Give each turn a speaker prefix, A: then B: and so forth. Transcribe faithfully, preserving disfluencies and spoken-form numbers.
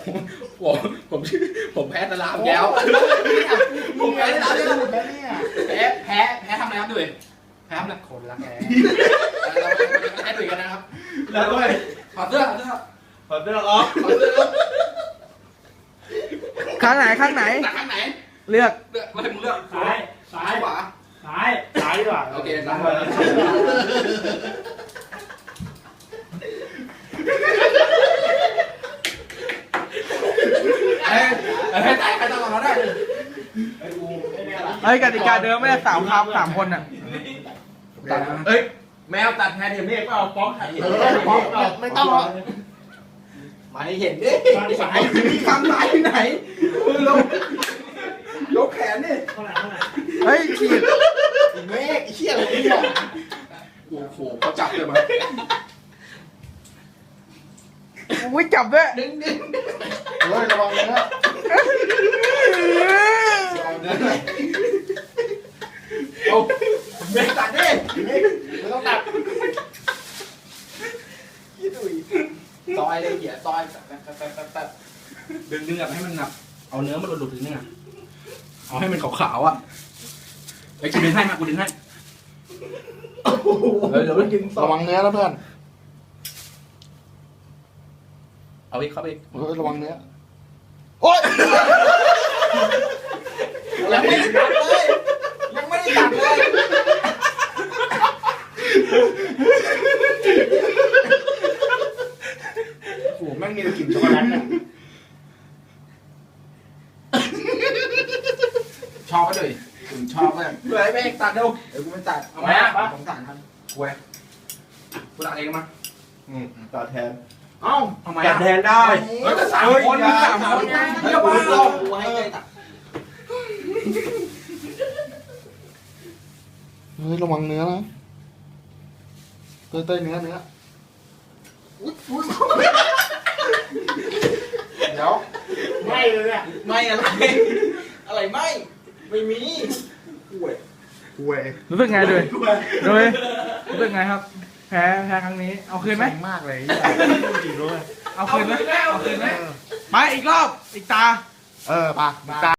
A: ผมผมชื่อผมแพ้ตะลามแก้วผมแพ้ตะลามแก้วแพ้แพ้แพ้ทำอะไรครับดุยแพ้ทำอะไรคนรักแพ้เราแพ้ดุยกันนะครับแล้วด้วยถอดเสื้อถอดเสื้อ
B: ถอดเสื้อออก
A: ถอดเสื้อ
C: ข้างไหนข้างไหน
A: ตักข้างไหน
C: เลือก
A: เลือกมาให้มึงเลือก
B: ซ้ายซ้าย
A: ขวา
B: ซ้ายซ้ายดีกว่า
A: โอเคซ้ายเฮ้ยเฮ้ยใครใครต้องมาได้ไอ้กูไอ้เนี่ยล่ะ
C: เฮ้ยกติกาเดิมไม่ได้สามครับสามคนอ่ะ
A: ตัดเอ้ยแมวตัดแทนเห็นเมฆก็เอาฟ้องไข่เออฟ้องไม่ต้องหรอกมาให้เห็นดิสายทำสายที่ไหนลงยกแขนดิ
B: เท่าไหร่เท่าไหร่
C: เฮ้ยฉีด
A: เมฆไอ้เชี่ยอะไรเนี่ยโอ้โหเขาจับเลยมา
C: อุ้ยจับด้วย
A: ดึงดึงเฮ้ยระวังนะระวังนะโอ้เมฆตัดดิเมฆไม่ต้องตัดยี่ดุยซอยเลยเหี้ยซอยตัดตัดตัดตัดตัดดึงดึงแบบให้มันหนักเอาเนื้อมันหลุดๆถึงเนี่ยเอาให้มันขาวๆอ่ะไอ้กูดึงให้มากูดึงให้เดี๋ยวเรากินระวังเนื้อนะเพื่อนเอาอีกเข้าไปอีกระวังเนื้อโอ๊ยยังไม่ได้ตัดเลยยังไม่ได้ตัดเลยโอ้โหแม่งมีแต่กลิ่นช็อกโกแลตเนี่ยชอบก็เลยถึงชอบเลยเฮ้ยแม่งตัดเร็วเดี๋ยวกูไม่ตัดเอาไหมอ่ะผมตัดทันกูเว้ยกูตัดเองมา
B: อืมตัดแทน
A: เอ้าทำไม
B: ตั
A: อ่ะ
B: ดแทนได้
A: เฮ้ยแต่สามคนมีสามคนไงเดี๋ยวมาเอากูให้ใจตัด
D: เฮ้ยระวังเนื้อนะเต้ยเต้ยเนื้อเนื้อ
A: เดี๋ยว
B: ไม่เลยเนี่ย
A: ไม่อะไร อะไรไม่ ไม่มีป่วย
D: ห่วย
C: รู้สึกไงด้วยด้วยรู้สึกไงครับ แพ้แพ้ครั้งนี้ เอาคืนไหม
D: มากเลย
B: จริงด้วย
C: เอาคืนไหมเอาคืนไหมไปอีกรอบ อีกตา
D: เออป่ะตา